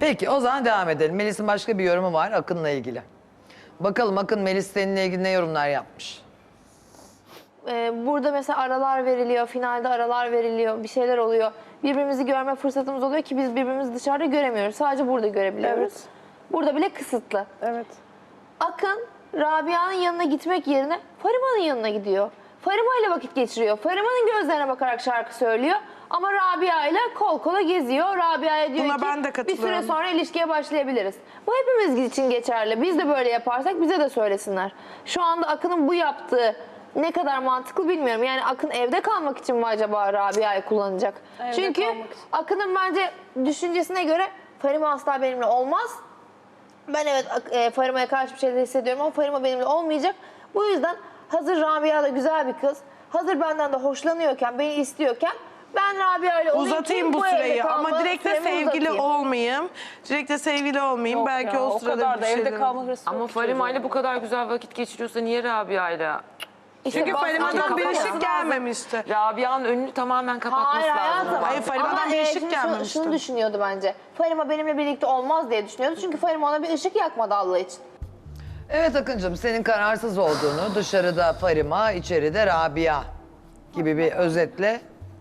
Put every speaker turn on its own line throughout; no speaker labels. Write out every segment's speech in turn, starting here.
Peki o zaman devam edelim. Melis'in başka bir yorumu var Akın'la ilgili. Bakalım Akın Melis seninle ilgili ne yorumlar yapmış?
Burada mesela aralar veriliyor, finalde aralar veriliyor, bir şeyler oluyor. Birbirimizi görme fırsatımız oluyor ki biz birbirimizi dışarıda göremiyoruz. Sadece burada görebiliyoruz.
Evet.
Burada bile kısıtlı.
Evet.
Akın, Rabia'nın yanına gitmek yerine Farima'nın yanına gidiyor. Farima ile vakit geçiriyor. Farima'nın gözlerine bakarak şarkı söylüyor. Ama Rabia ile kol kola geziyor. Rabia'ya diyor
Buna
ki
ben de
bir
katılıyorum.
süre sonra ilişkiye başlayabiliriz. Bu hepimiz için geçerli. Biz de böyle yaparsak bize de söylesinler. Şu anda Akın'ın bu yaptığı ne kadar mantıklı bilmiyorum. Yani Akın evde kalmak için mi acaba Rabia'yı kullanacak?
Evde
Çünkü
kalmak için.
Akın'ın bence düşüncesine göre Farima asla benimle olmaz. Ben evet Farima'ya karşı bir şeyler hissediyorum ama Farima benimle olmayacak. Bu yüzden hazır Rabia da güzel bir kız. Hazır benden de hoşlanıyorken, beni istiyorken ben Rabia ile olayım
Uzatayım
ki
bu
evde
süreyi
kalma
ama direkt de
süremi
sevgili
uzatayım.
olmayayım. Direkt de sevgili olmayayım.
Yok
Belki
ya,
o sırada
kadar da
bir
evde
şeyler.
kalma hırsı
Ama
yok
Farima ile
çocuğun.
bu kadar güzel vakit geçiriyorsa niye Rabia ile?
İşte
Çünkü
bak-
Farima'dan
Kapatması
bir ışık
lazım.
gelmemişti.
Rabia'nın önünü tamamen kapatması
Hayır
lazım.
hayatım.
Hayır, Farima'dan
Ama,
bir ışık
şimdi
gelmemişti.
Şunu düşünüyordu bence. Farima benimle birlikte olmaz diye düşünüyordu. Çünkü Farima ona bir ışık yakmadı Allah için.
Evet Akıncığım senin kararsız olduğunu dışarıda Farima, içeride Rabia gibi bir özetle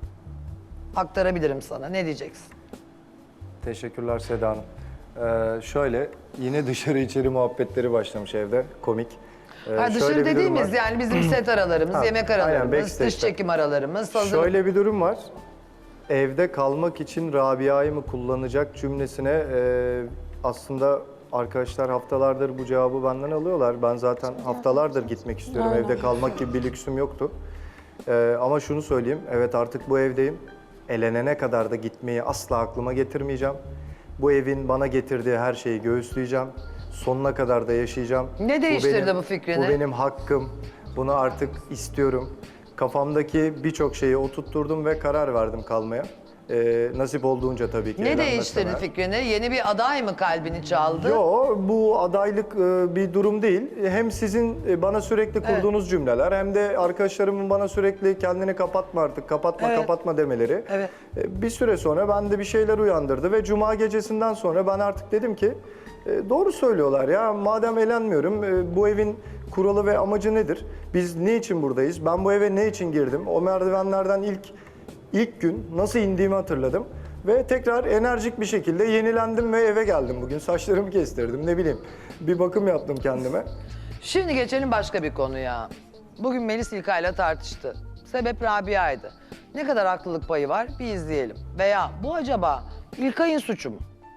aktarabilirim sana. Ne diyeceksin?
Teşekkürler Seda Hanım. Şöyle, yine dışarı içeri muhabbetleri başlamış evde, komik.
Ha,
Şöyle
dışarı
bir durum
dediğimiz
var.
yani bizim set aralarımız,
Ha,
yemek
aynen,
aralarımız,
backstage'te.
dış çekim aralarımız. Hazır.
Şöyle bir durum var. Evde kalmak için Rabia'yı mı kullanacak cümlesine aslında arkadaşlar haftalardır bu cevabı benden alıyorlar. Ben zaten haftalardır gitmek istiyorum. Evde kalmak gibi bir lüksüm yoktu. Ama şunu söyleyeyim, evet artık bu evdeyim. Elenene kadar da gitmeyi asla aklıma getirmeyeceğim. Bu evin bana getirdiği her şeyi göğüsleyeceğim. Sonuna kadar da yaşayacağım.
Ne değiştirdi bu fikrini?
Bu benim hakkım. Bunu artık istiyorum. Kafamdaki birçok şeyi oturtturdum ve karar verdim kalmaya. Nasip olduğunca tabii ki.
Ne
evlenmesem
değiştirdi
eğer.
fikrini? Yeni bir aday mı kalbini çaldı?
Yo, bu adaylık bir durum değil. Hem sizin bana sürekli kurduğunuz cümleler hem de arkadaşlarımın bana sürekli kendini kapatma artık, kapatma
Evet.
kapatma demeleri.
Evet.
Bir süre sonra bende bir şeyler uyandırdı ve Cuma gecesinden sonra ben artık dedim ki doğru söylüyorlar ya, madem elenmiyorum bu evin kuralı ve amacı nedir? Biz ne için buradayız? Ben bu eve ne için girdim? O merdivenlerden ilk gün nasıl indiğimi hatırladım. Ve tekrar enerjik bir şekilde yenilendim ve eve geldim bugün. Saçlarımı kestirdim, ne bileyim. Bir bakım yaptım kendime.
Şimdi geçelim başka bir konuya. Bugün Melis İlkay'la tartıştı. Sebep Rabia'ydı. Ne kadar haklılık payı var bir izleyelim. Veya bu acaba İlkay'ın suçu mu?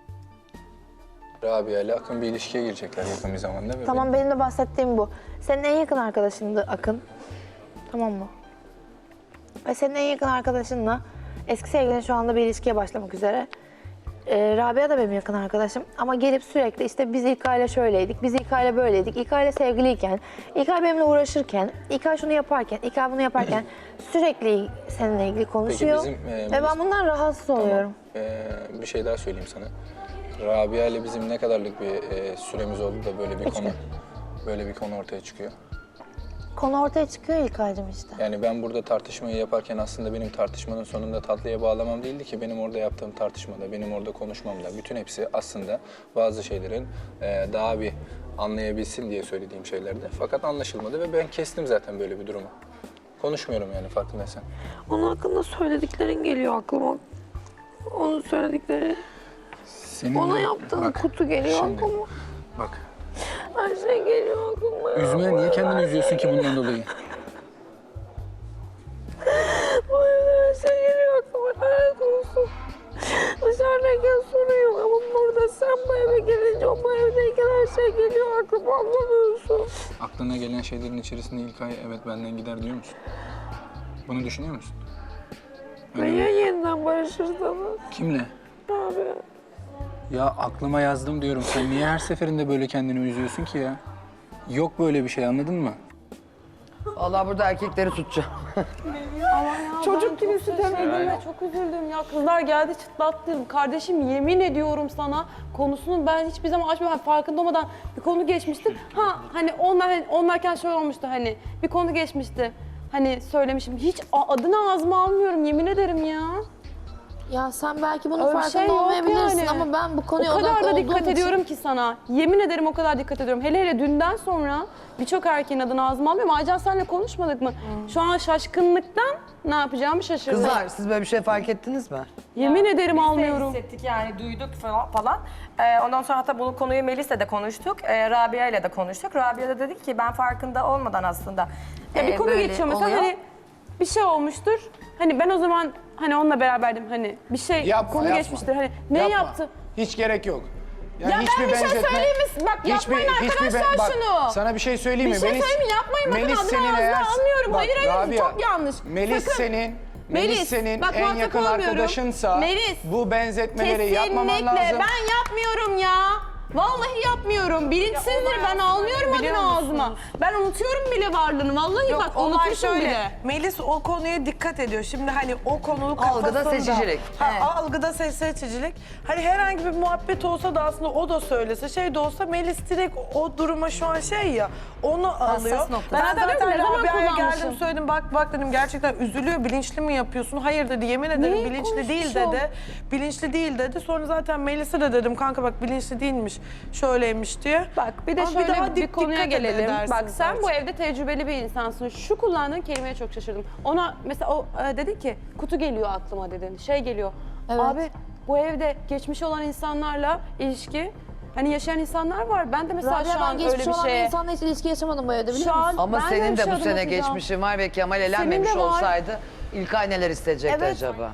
Rabia ile Akın bir ilişkiye girecekler yakın bir zamanda. Ve
Tamam benim de bahsettiğim bu. Senin en yakın arkadaşındı Akın. Tamam mı? Ve senin en yakın arkadaşınla eski sevgilin şu anda bir ilişkiye başlamak üzere. Rabia da benim yakın arkadaşım ama gelip sürekli işte biz İlkay'la şöyleydik, biz İlkay'la böyleydik, İlkay'la sevgiliyken, İlkay benimle uğraşırken, İlkay şunu yaparken, İlkay bunu yaparken sürekli seninle ilgili konuşuyor.
bizim,
ve ben bundan rahatsız oluyorum.
bir şey daha söyleyeyim sana. Rabia ile bizim ne kadarlık bir süremiz oldu da böyle bir konu ortaya çıkıyor.
Konu ortaya çıkıyor İlkay'cığım işte.
Yani ben burada tartışmayı yaparken aslında benim tartışmanın sonunda tatlıya bağlamam değildi ki, benim orada yaptığım tartışmada, benim orada konuşmamda bütün hepsi aslında bazı şeylerin daha bir anlayabilsin diye söylediğim şeylerdi. Fakat anlaşılmadı ve ben kestim zaten böyle bir durumu. Konuşmuyorum yani, farkındaysan.
Onun hakkında söylediklerin geliyor aklıma. Onun söyledikleri,
Senin
ona
de-
yaptığın
bak,
kutu geliyor
şimdi,
aklıma.
Bak,
Her şey geliyor aklıma.
üzme, niye kendini üzüyorsun ki bundan dolayı?
Bu evde her şey geliyor aklıma. Lanet olsun. Dışarıdayken sorun yok ama burada sen bu eve gelince o bu evdeyken her şey geliyor aklıma, anlamıyorsun.
Aklına gelen şeylerin içerisinde İlkay evet benden gider diyor musun? Bunu düşünüyor musun?
Ve ya yeniden barışırsanız?
Kimle?
Abi.
Ya aklıma yazdım diyorum. Sen niye her seferinde böyle kendini üzüyorsun ki ya? Yok böyle bir şey, anladın mı?
Vallahi burada erkekleri tutacağım.
Çocuk gibi sütemedim ve çok üzüldüm ya. Kızlar geldi çıtlattım. Kardeşim yemin ediyorum sana konusunu ben hiçbir zaman açmıyorum. Hani farkında olmadan bir konu geçmişti. Ha hani onlarken şöyle olmuştu, hani bir konu geçmişti. Hani söylemişim. Hiç adını ağzıma almıyorum, yemin ederim ya.
Ya sen belki bunun
Öyle bir
farkında
şey yok
olmayabilirsin
yani.
ama ben bu konuya
O kadar
odaklı
da
olduğum
dikkat
için...
ediyorum ki sana. Yemin ederim o kadar dikkat ediyorum. Hele hele dünden sonra birçok erkeğin adını ağzıma alıyorum. Aycan senle konuşmadık mı? Şu an şaşkınlıktan ne yapacağımı şaşırdım.
Kızlar siz böyle bir şey fark ettiniz mi?
Yemin ederim
Biz de
almıyorum.
hissettik yani duyduk falan. Ondan sonra hatta bu konuyu Melis'le de konuştuk. Rabia ile de konuştuk. Rabia da dedi ki ben farkında olmadan aslında
Ya bir konu
böyle
geçiyor mesela
oluyor.
hani bir şey olmuştur. Hani ben o zaman hani onunla beraberdim hani bir şey konu geçmiştir. Hani ne
Yapma.
yaptı?
Hiç gerek yok. Yani
Ya ben bir şey söyleyeyim mi? Bak yapmayın arkadaşlar
bak,
şunu.
Sana bir şey söyleyeyim mi?
Bir şey söyleyeyim mi? Yapmayın bakın
Melis
adını
senin
ağzına
eğer-
almıyorum.
Bak,
Hayır hayır
Rabia,
çok yanlış.
Melis
Sakın.
Melis senin
bak,
en
muhatap
yakın
olmuyorum.
arkadaşınsa
Melis,
bu benzetmeleri yapmaman
kesinlikle
lazım.
ben yapmıyorum ya. Vallahi yapmıyorum. Bilinçsizdir ben almıyorum
biliyor
adını
musunuz?
ağzıma. Ben unutuyorum bile varlığını. Vallahi
Yok,
bak
olay
unutmuşum
şöyle.
bile.
Melis o konuya dikkat ediyor. Şimdi hani o konu
Algıda
kafasında.
seçicilik.
Algıda seçicilik. Hani herhangi bir muhabbet olsa da aslında o da söylese şey de olsa Melis direkt o duruma şu an şey ya onu alıyor.
nokta.
Ben
Ben zaten
zaten
ne zaman
Rabia'ya
kullanmışım?
geldim söyledim bak dedim gerçekten üzülüyor bilinçli mi yapıyorsun? Hayır dedi yemin ederim
Neyi
bilinçli değil
konuşmuşum?
dedi. Bilinçli değil dedi. Sonra zaten Melis'e de dedim kanka bak bilinçli değilmiş şöyleymiş diye.
Bak bir de
Ama
şöyle
daha
bir konuya
dikkat
gelelim.
edersiniz
Bak sen bu
artık.
evde tecrübeli bir insansın. Şu kullandığın kelimeye çok şaşırdım. Ona mesela o dedi ki kutu geliyor aklıma dedin. Şey geliyor.
Evet.
Abi bu evde geçmişi olan insanlarla ilişki hani yaşayan insanlar var. Ben de mesela
Rabia
şu
ben
an öyle
geçmiş
bir
olan
şeye
insanla hiç ilişki yaşamadım bu evde biliyor
şu
musun?
an
Ama
ben
senin
bir
de
şey
bu
adım
sene
atacağım.
geçmişin var ve Kemal elenmemiş
Senin de var.
olsaydı İlkay neler isteyecekti
Evet.
acaba?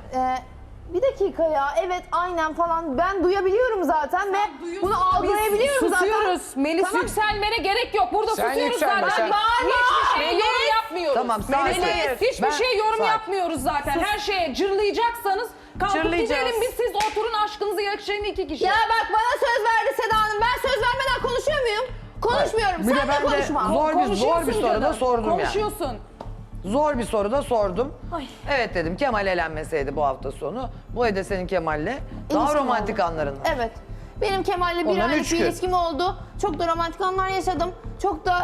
Bir dakika ya evet aynen falan ben duyabiliyorum zaten ve bunu algılayabiliyorum zaten.
Susuyoruz. Melis yükselmene gerek yok. Burada
Sen
susuyoruz
yükselme,
zaten.
sen-
Hiçbir şey yorum yapmıyoruz.
Tamam, sakin.
Hiçbir
Ben-
şey yorum
sakin.
yapmıyoruz zaten. Her şeye cırlayacaksanız kalkıp
Cırlayacağız.
gidelim biz siz oturun aşkınızı yaşayın iki kişi.
Ya bak bana söz verdi Seda Hanım ben söz vermeden konuşuyor muyum? Konuşmuyorum
Bir de
sen de
ben de
konuşma.
zor bir soru da sordum yani.
Konuşuyorsun.
Zor bir soru da sordum. Evet dedim Kemal elenmeseydi bu hafta sonu. Bu evde senin Kemal'le daha
İlişkim
romantik
oldu.
anların.
Evet. Benim Kemal'le bir
Ondan
aylık
3
bir
gün.
ilişkim oldu. Çok da romantik anlar yaşadım. Çok da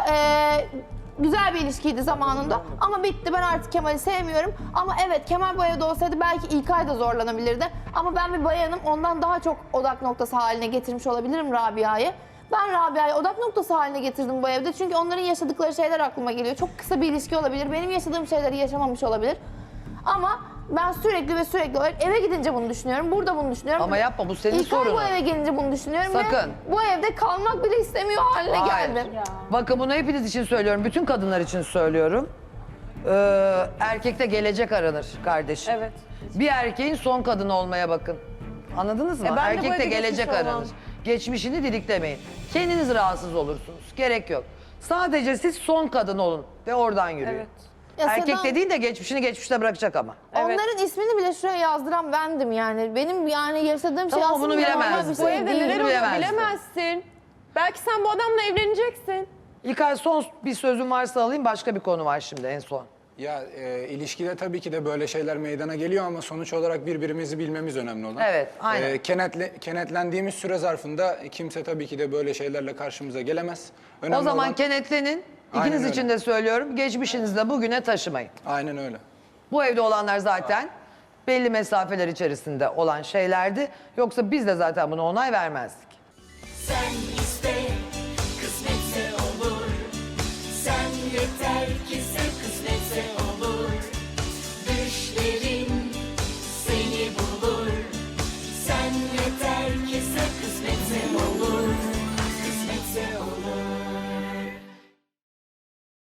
güzel bir ilişkiydi zamanında. Ama bitti. Ben artık Kemal'i sevmiyorum. Ama evet Kemal bu evde olsaydı belki İlkay da zorlanabilirdi. Ama ben bir bayanım. Ondan daha çok odak noktası haline getirmiş olabilirim Rabia'yı. Ben Rabia'yı odak noktası haline getirdim bu evde. Çünkü onların yaşadıkları şeyler aklıma geliyor. Çok kısa bir ilişki olabilir. Benim yaşadığım şeyleri yaşamamış olabilir. Ama ben sürekli olarak eve gidince bunu düşünüyorum. Burada bunu düşünüyorum.
Ama yapma, bu senin
İlkay
sorunun.
bu eve gelince bunu düşünüyorum
Sakın.
ve bu evde kalmak bile istemiyor haline
Hayır.
geldim.
Bakın bunu hepiniz için söylüyorum. Bütün kadınlar için söylüyorum. Erkekte gelecek aranır kardeşim.
Evet.
Bir erkeğin son kadını olmaya bakın. Anladınız mı?
ben de bu
Erkekte
evde
gelecek
geçmiş
aranır.
olmam.
Geçmişini didiklemeyin. Kendiniz rahatsız olursunuz. Gerek yok. Sadece siz son kadın olun ve oradan yürüyün.
Evet.
Ya
Erkek
Seda-
dediğin de geçmişini geçmişte bırakacak ama.
Onların ismini bile şuraya yazdıran bendim yani. Benim yani yaşadığım şey
Tamam,
aslında
bunu
normal
bilemezdin.
bir
Bu
şey
evde
değil.
neler oluyor
bilemezdim.
bilemezsin. Belki sen bu adamla evleneceksin.
İlkay son bir sözüm varsa alayım, başka bir konu var şimdi en son.
Ya ilişkide tabii ki de böyle şeyler meydana geliyor ama sonuç olarak birbirimizi bilmemiz önemli olan.
Evet, aynen.
Kenetlendiğimiz süre zarfında kimse tabii ki de böyle şeylerle karşımıza gelemez.
O
Önemli
zaman
olan-
kenetlenin.
Aynen
İkiniz
öyle.
için de söylüyorum. Geçmişinizi de bugüne taşımayın.
Aynen öyle.
Bu evde olanlar zaten belli mesafeler içerisinde olan şeylerdi. Yoksa biz de zaten buna onay vermezdik.
Sen iste, kısmetse olur. Sen yeter ki sev, kısmetse olur. Düşlerin seni bulur. Sen yeter ki sev, kısmetse olur.